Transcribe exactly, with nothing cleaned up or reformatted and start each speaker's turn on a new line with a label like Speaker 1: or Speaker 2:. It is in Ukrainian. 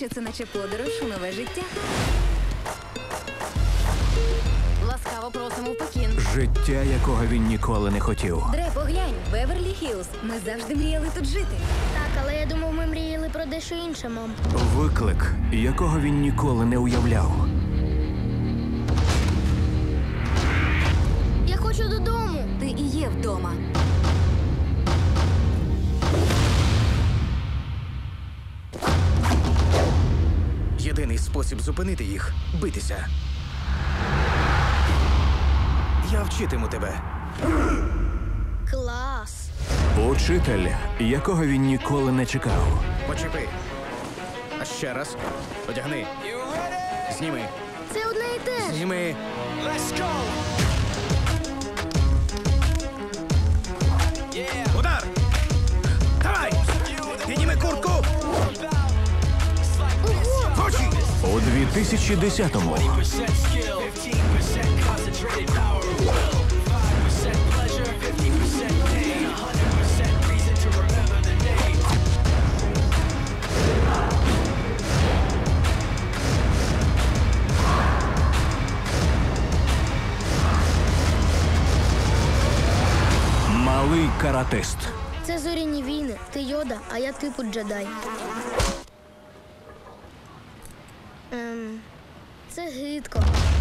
Speaker 1: що це наче подорож у нове життя.
Speaker 2: Ласкаво просимо в Пекін.
Speaker 3: Життя, якого він ніколи не хотів.
Speaker 1: Дре, поглянь, Беверлі-Хіллз. Ми завжди мріяли тут жити.
Speaker 4: Так, але я думав, ми мріяли про дещо інше, мам.
Speaker 3: Виклик, якого він ніколи не уявляв.
Speaker 4: Я хочу додому.
Speaker 1: Ти і є вдома.
Speaker 5: Єдиний спосіб зупинити їх – битися. Я вчитиму тебе.
Speaker 4: Клас.
Speaker 3: Учитель, якого він ніколи не чекав.
Speaker 5: Почепи. А ще раз. Одягни. Зніми.
Speaker 4: Це одне і те ж.
Speaker 5: Зніми. Удар! Давай! Підніми куртку! Хочі!
Speaker 3: У дві тисячі десятому малий каратист.
Speaker 4: Це зоряні війни. Ти Йода, а я типу джедай. Ем, це гидко.